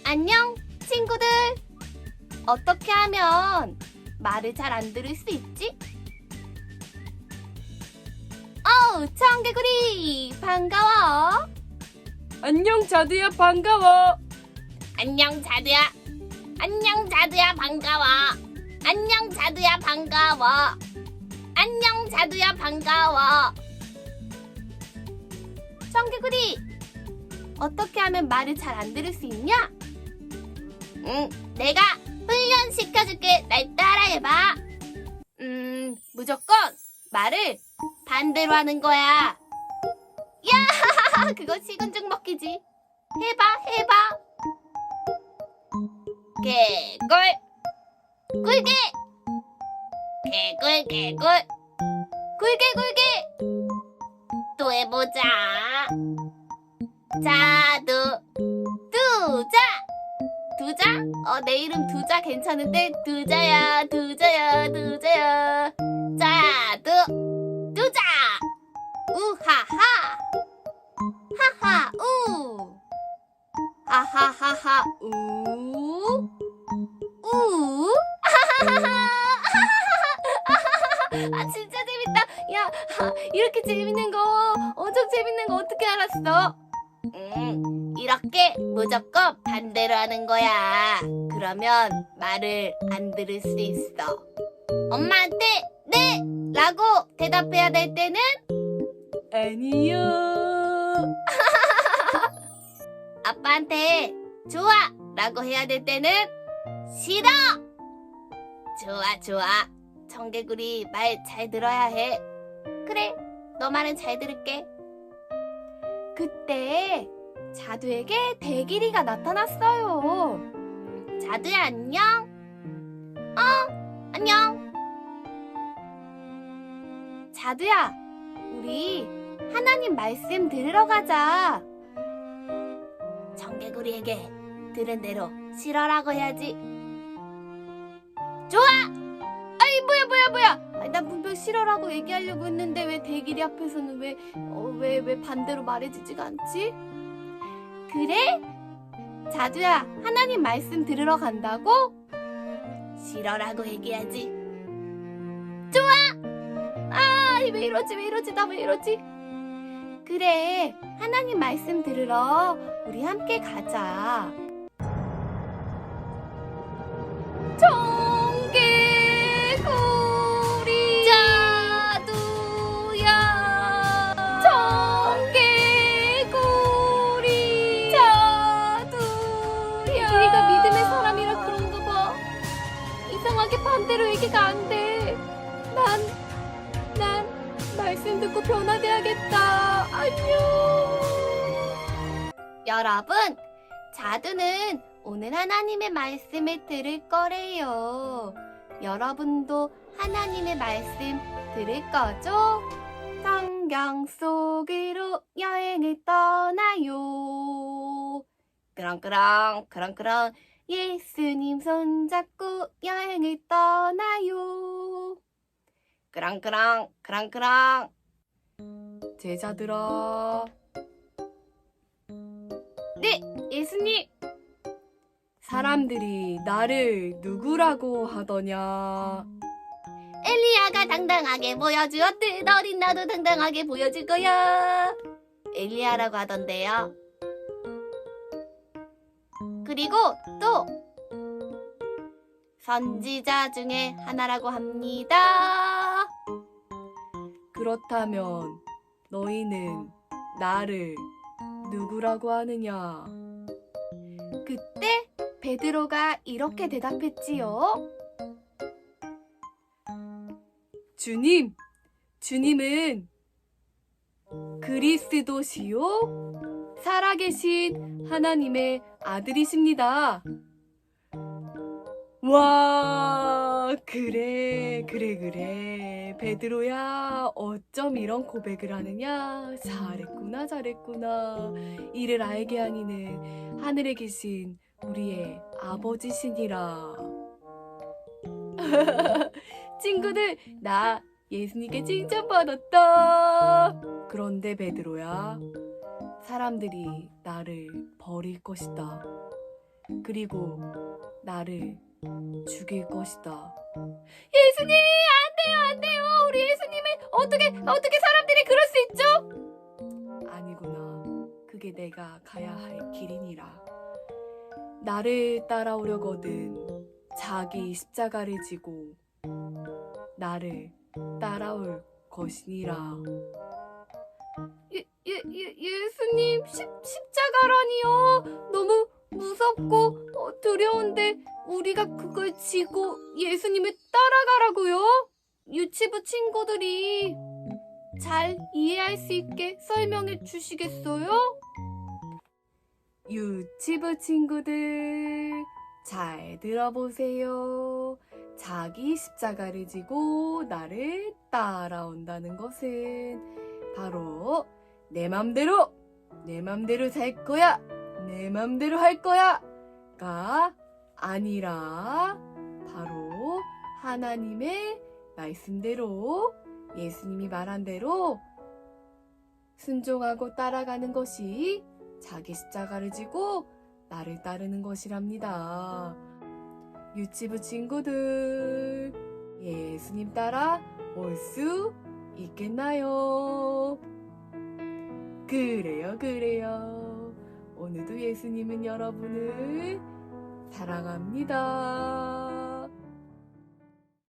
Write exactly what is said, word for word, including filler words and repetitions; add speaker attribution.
Speaker 1: 안녕, 친구들! 어떻게 하면 말을 잘 안 들을 수 있지? 어우, 청개구리! 반가워!
Speaker 2: 안녕 자두야 반가워.
Speaker 1: 안녕, 자두야! 안녕, 자두야, 반가워! 안녕, 자두야, 반가워! 안녕, 자두야, 반가워! 청개구리! 어떻게 하면 말을 잘 안 들을 수 있냐? 응, 내가 훈련시켜줄게. 날 따라해봐. 음, 무조건 말을 반대로 하는 거야. 야, 그거 식은죽 먹기지. 해봐, 해봐. 개굴, 굴개. 개굴, 개굴. 굴개, 굴개. 또 해보자. 자두, 두자. 두자? 어, 내 이름 두자 괜찮은데? 두자야, 두자야, 두자야. 자두, 두자. 우하하. 하하, 우. 하하하하, 우. 우. 아, 진짜 재밌다. 야, 이렇게 재밌는 거, 엄청 재밌는 거 어떻게 알았어? 음, 이렇게 무조건 반대로 하는 거야. 그러면 말을 안 들을 수 있어. 엄마한테 네! 라고 대답해야 될 때는
Speaker 2: 아니요.
Speaker 1: 아빠한테 좋아! 라고 해야 될 때는 싫어! 좋아, 좋아. 청개구리 말 잘 들어야 해. 그래, 너 말은 잘 들을게. 그때 자두에게 대길이가 나타났어요. 자두야, 안녕? 어, 안녕. 자두야, 우리 하나님 말씀 들으러 가자. 청개구리에게 들은 대로 싫어라고 해야지. 좋아! 아이, 뭐야, 뭐야, 뭐야! 아니, 나 분명 싫어라고 얘기하려고 했는데 왜 대길이 앞에서는 왜, 어, 왜, 왜 반대로 말해주지가 않지? 그래? 자두야, 하나님 말씀 들으러 간다고? 싫어라고 얘기하지. 좋아! 아, 왜 이러지, 왜 이러지, 나 왜 이러지? 그래, 하나님 말씀 들으러 우리 함께 가자. 청개구리 자두야, 청개구리 자두야. 길이가 믿음의 사람이라 그런가 봐. 이상하게 반대로 얘기가 안 돼. 난, 난 말씀 듣고 변화돼야겠다. 안녕. 여러분, 자두는 오늘 하나님의 말씀을 들을 거래요. 여러분도 하나님의 말씀 들을 거죠? 성경 속으로 여행을 떠나요. 그렁그렁 그렁그렁 예수님 손잡고 여행을 떠나요. 그렁그렁 그렁그렁.
Speaker 2: 제자들아.
Speaker 1: 네, 예수님.
Speaker 2: 사람들이 나를 누구라고 하더냐?
Speaker 1: 엘리야가 당당하게 보여주었듯 어린 나도 당당하게 보여줄 거야. 엘리야라고 하던데요. 그리고 또 선지자 중에 하나라고 합니다.
Speaker 2: 그렇다면 너희는 나를 누구라고 하느냐?
Speaker 1: 그때 베드로가 이렇게 대답했지요.
Speaker 2: 주님, 주님은 그리스도시요? 살아계신 하나님의 아들이십니다. 와, 그래, 그래, 그래. 베드로야, 어쩜 이런 고백을 하느냐? 잘했구나, 잘했구나. 이를 알게 하니는 하늘에 계신 우리의 아버지시니라. 친구들, 나 예수님께 칭찬받았다. 그런데 베드로야, 사람들이 나를 버릴 것이다. 그리고 나를 죽일 것이다.
Speaker 1: 예수님, 안 돼요, 안 돼요. 우리 예수님을 어떻게, 어떻게 사람들이 그럴 수 있죠?
Speaker 2: 아니구나. 그게 내가 가야 할 길이니라. 나를 따라오려거든 자기 십자가를 지고 나를 따라올 것이니라.
Speaker 1: 예, 예, 예, 예수님, 십, 십자가라니요. 너무 무섭고 어, 두려운데 우리가 그걸 지고 예수님을 따라가라고요? 유치부 친구들이 잘 이해할 수 있게 설명해 주시겠어요?
Speaker 2: 유치부 친구들 잘 들어보세요. 자기 십자가를 지고 나를 따라온다는 것은 바로 내 맘대로 내 맘대로 살 거야 내 맘대로 할 거야 가 아니라 바로 하나님의 말씀대로 예수님이 말한 대로 순종하고 따라가는 것이 자기 십자가를 지고 나를 따르는 것이랍니다. 유치부 친구들, 예수님 따라 올 수 있겠나요? 그래요, 그래요. 오늘도 예수님은 여러분을 사랑합니다.